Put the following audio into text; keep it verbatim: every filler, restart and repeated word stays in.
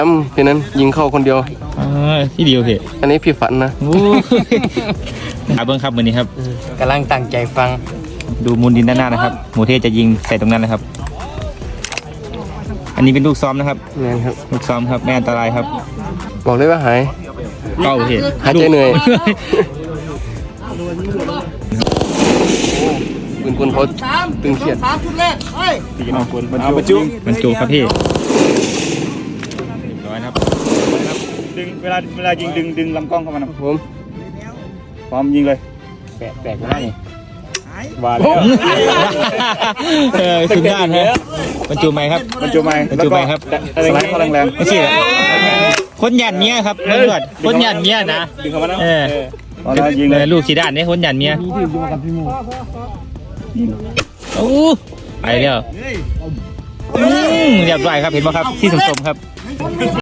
อืมพี่นั้นยิงเข้าคนเดียวอ่าที่เดียวเหรออันนี้พี่ฝันนะโอ้อาเบิ้งครับวันนี้ครับกำลังตั้งใจฟังดูมูลดินด้านหน้านะครับหมูเทศจะยิงใส่ตรงนั้นนะครับ อันนี้เป็นลูกซ้อมนะครับนี่ครับลูกซ้อมครับไม่อันตรายครับบอกเลยว่าหายเป้าเหตุหายใจเหนื่อยปืนคนเขาตึงเครียดตีกันเอาปืนเอาประจุมันจูครับพี่ร้อยครับดึงเวลาเวลายิงดึงดึงลำกล้องเข้ามานะผมพร้อมยิงเลยแปะแปะหน้านี่ว่าแล้วเออสุดยอดฮะบรรจุไหมครับบรรจุไหมบรรจุไหมครับสไลด์เข้าแรงๆไม่ใช่คนหยัดเมียครับตำรวจคนหยัดเมียนะดึงเข้ามานะเออตอนนั้นยิงเลยลูกสีด้านนี่คนหยัดเมียโอ้ไปแล้วเรียบร้อยครับเห็นไหมครับที่สมๆครับ